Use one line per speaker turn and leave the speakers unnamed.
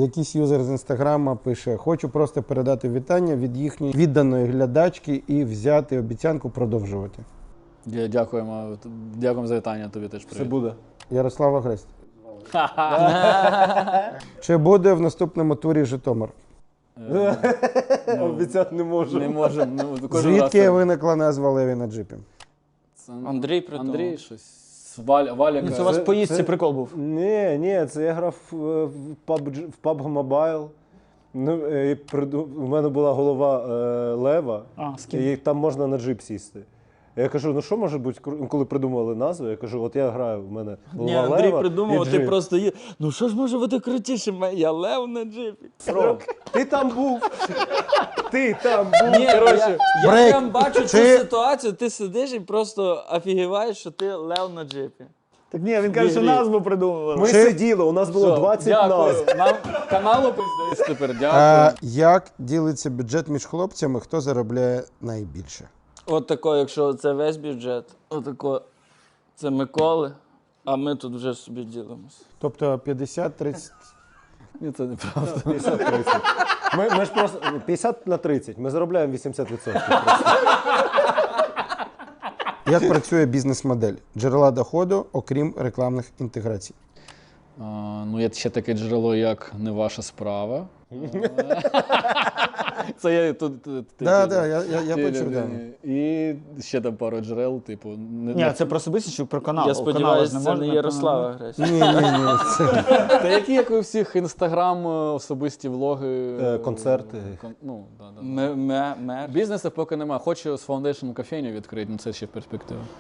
Якийсь юзер з інстаграма пише: хочу просто передати вітання від їхньої відданої глядачки і взяти обіцянку продовжувати.
Дякуємо за вітання, тобі теж привіт.
Все буде.
Ярослав Агрест. Чи буде в наступному турі Житомир?
Обіцяти не можу.
Не можемо.
Звідки виникла назва Леві на джипі?
Андрій придумав.
Андрій щось. Валя.
Це у вас в поїздці прикол був.
Ні, це я грав в PUBG Mobile. У мене була голова лева, і там можна на джип сісти. Я кажу, ну що може бути, коли придумали назву, я кажу, от я граю, в мене голова
Ні,
лева.
Андрій придумав,
і
ти
джип.
просто є. Ну що ж може бути крутіше? Я лев на джипі.
Ти там був. Ти там був.
Ні,
Коротше,
я
брейк.
прям бачу цю
Чи-
ситуацію, ти сидиш і просто офігіваєш, що ти лев на джипі.
Так ні, він каже, що назву придумували.
ми сиділи, у нас було 20 назв.
Дякую. Нам каналу пиздець тепер, дякую.
Як ділиться бюджет між хлопцями, хто заробляє найбільше?
От тако, якщо це весь бюджет, отако, це Миколи, а ми тут вже собі ділимося.
Тобто 50-30.
Ні, це неправда.
50-30. Ми ж просто 50 на 30, ми заробляємо 80%.
Як працює бізнес-модель? Джерела доходу, окрім рекламних інтеграцій.
Ну, є ще таке джерело, як «Не ваша справа». Це я тут...
Так, я почув. да.
І ще там пару джерел, типу...
Ні, це про особистість чи про канал?
Я
У каналу
сподіваюся,
ж
це
можна,
не Ярослава Агресія.
Ні.
Та які, як у всіх, інстаграм, особисті влоги...
Концерти.
Ну, да.
Мер.
Бізнесу поки немає. Хочу з Foundation кофейню відкрити, але це ще в перспективі.